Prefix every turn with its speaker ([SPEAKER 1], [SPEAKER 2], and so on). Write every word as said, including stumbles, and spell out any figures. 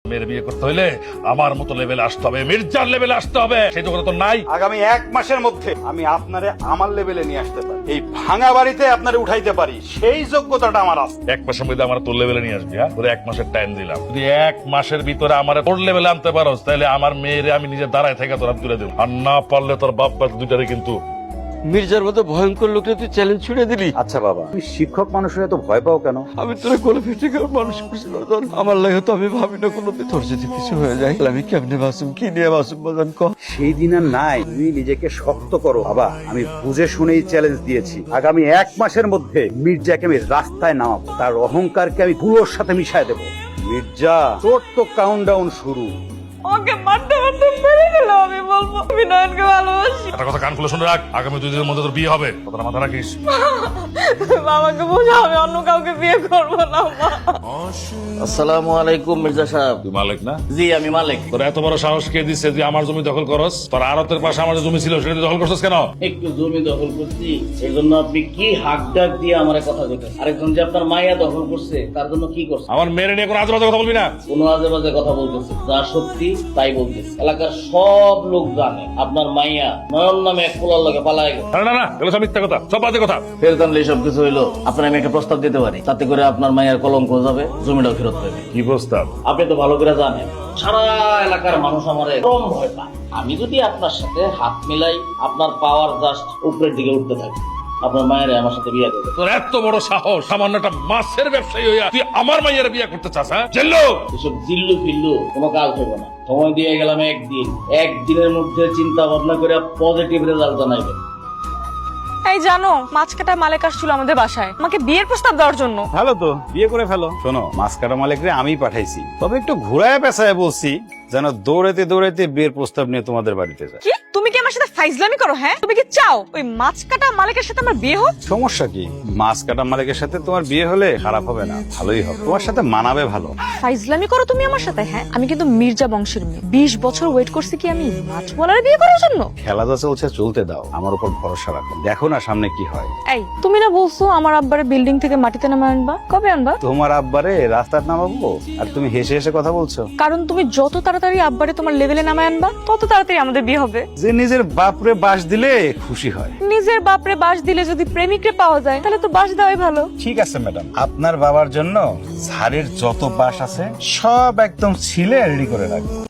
[SPEAKER 1] মেয়ের বিয়ে করতে হইলে আমার মতো লেভেলে আসতে হবে, মির্জার লেভেলে আসতে হবে। সেই যোগ্যতা তো নাই।
[SPEAKER 2] আগামী এক মাসের মধ্যে আমি আপনারে আমার লেভেলে নিয়ে আসতে পারি, এই ভাঙা বাড়িতে আপনারে উঠাইতে পারি, সেই যোগ্যতাটা আমার আছে।
[SPEAKER 1] এক মাসের মধ্যে আমার তোর লেভেলে নিয়ে আসবি, হ্যাঁ? তোর এক মাসের টাইম দিলাম। যদি এক মাসের ভিতরে আমার তোর লেভেলে আনতে পারোস, তাহলে আমার মেয়েরে আমি নিজে দাঁড়ায় থেকে তোর তুলে দেবো। আর না পারলে তোর বাপ বাপ দুইটারে কিন্তু।
[SPEAKER 3] মির্জার মতো ভয়ঙ্কর লোকটা তুই চ্যালেঞ্জ ছুড়ে দিলি।
[SPEAKER 2] আচ্ছা বাবা, তুমি শিক্ষক মানুষের এত ভয় পাও কেন?
[SPEAKER 3] আমি তোরা কোলে ফেটে গেল মানুষ করছিল, আমার লাগে তো আমি ভাবি না কোনো তোর যদি কিছু হয়ে যায় আমি কেমনে বাসুম, কি নিয়ে বাসুম বাজান ক।
[SPEAKER 2] সেই দিন আর নাই, তুমি নিজেকে শক্ত করো বাবা। আমি বুঝে শুনেই চ্যালেঞ্জ দিয়েছি, আগামী এক মাসের মধ্যে মির্জাকে আমি রাস্তায় নামাবো, তার অহংকারকে আমি পুরোর সাথে মিশাই দেবো। মির্জা, তোর তো কাউন্টডাউন শুরু।
[SPEAKER 4] ওকে মারতে মারতে মেরে গেল। আমি বলবো আমি নয়নকে ভালোবাসি।
[SPEAKER 1] একটা কথা কান খুলে শুনে রাখ, আগামী দুই দিনের মধ্যে তোর বিয়ে হবে, কথাটা মাথা রাখিস।
[SPEAKER 4] বাবাকে বোঝাও আমি অন্য কাউকে বিয়ে করবো না। মা,
[SPEAKER 5] আসসালামু আলাইকুম মির্জা সাহেব।
[SPEAKER 1] তুই মালিক না?
[SPEAKER 5] জি আমি মালিক।
[SPEAKER 1] তোর এত বড় সাহস কে দিচ্ছে তুই আমার জমি দখল করস? তোর আড়তের পাশে আমার যে জমি ছিল সেটা তুই দখল করছিস কেন?
[SPEAKER 5] একটু জমি দখল করছি, এই জন্য আপনি কি হাক ডাক দিয়ে আমার কথা বলতেন? আরেকজন যে আপনার মাইয়া দখল করছে তার জন্য কি করছে?
[SPEAKER 1] আমার মেয়ের নিয়ে কোনো আজে বাজে কথা বলবি না।
[SPEAKER 5] কোনো আজে বাজে কথা বলতেছে, যা সত্যি তাই বলতেছে। এলাকার সব লোক জানে আপনার মাইয়া নয়ন নামে এক পোলার লগে পালায় গেছে।
[SPEAKER 1] না না না, এগুলো সব মিথ্যা কথা, সব বাজে কথা।
[SPEAKER 5] ফের জানলে সব কিছু হইলো, আপনার আমি একটা প্রস্তাব দিতে পারি, তাতে করে আপনার মাইয়ার কলঙ্ক যাবে, জমিটাও ফেরত পাবে।
[SPEAKER 1] কি প্রস্তাব?
[SPEAKER 5] আপনি তো ভালো করে জানেন সারা এলাকার মানুষ আমারে কম ভয় পায়। আমি যদি আপনার সাথে হাত মিলাই, আপনার পাওয়ার জাস্ট উপরের দিকে উঠতে থাকে, আপনার মায়ের আমার সাথে বিয়ে দেবে।
[SPEAKER 1] তোর এত বড় সাহস, সামান্য একটা মাছের ব্যবসায়ী হইয়া তুই আমার মাইয়ের বিয়ে করতে চাস? হ্যাঁ জেল্লো,
[SPEAKER 5] এসব জিল্লু ফিল্লু কোনো কাজ হবে না। সময় দিয়ে গেলাম একদিন, একদিনের মধ্যে চিন্তা ভাবনা করে পজিটিভ রেজাল্ট জানাইবেন।
[SPEAKER 4] এই জানো মাছ কাটা মালিক আসছিল আমাদের বাসায় আমাকে বিয়ের প্রস্তাব দেওয়ার জন্য।
[SPEAKER 2] ভালো তো, বিয়ে করে ফেলো। শোনো, মাছ কাটা মালিকরে আমি পাঠাইছি, তবে একটু ঘুরায় পেঁচায় বলছি যেন দৌড়াইতে দৌড়াইতে বিয়ের প্রস্তাব নিয়ে তোমাদের বাড়িতে যায়।
[SPEAKER 4] কি তুমি কি আমার সাথে ফাইজলামি করো? হ্যাঁ তুমি কি চাও ওই মাছ কাটা মালিকের সাথে আমার বিয়ে হোক?
[SPEAKER 2] সমস্যা কি? মাছ কাটা মালিকের সাথে তোমার বিয়ে হলে খারাপ হবে না, ভালোই হবে, তোমার সাথে মানাবে ভালো।
[SPEAKER 4] ফাইজলামি করো তুমি আমার সাথে? হ্যাঁ আমি কিন্তু মির্জা বংশের মেয়ে, বিশ বছর ওয়েট করছি কি আমি মাছওয়ালার বিয়ে করার জন্য?
[SPEAKER 2] খেলা যা চলছে চলতে দাও, আমার উপর ভরসা রাখো, দেখো না সামনে কি হয়।
[SPEAKER 4] এই তুমি না বলছো আমার আব্বারে বিল্ডিং থেকে মাটিতে নামা আনবা, কবে আনবা?
[SPEAKER 2] তোমার আব্বারে রাস্তার নামাবো আর তুমি হেসে হেসে কথা বলছো?
[SPEAKER 4] কারণ তুমি যত তাড়াতাড়ি আব্বারে তোমার লেভেলে নামায় আনবা তত তাড়াতাড়ি আমাদের বিয়ে হবে।
[SPEAKER 2] যে নিজের বাপরে বাস দিলে খুশি হয়।
[SPEAKER 4] নিজের বাপরে বাস দিলে যদি প্রেমিকরে পাওয়া যায় তাহলে তো বাস দেওয়াই ভালো।
[SPEAKER 2] ঠিক আছে ম্যাডাম, আপনার বাবার জন্য ঝাড়ের যত বাস আছে সব একদম ছিলে রেডি করে রাখবো।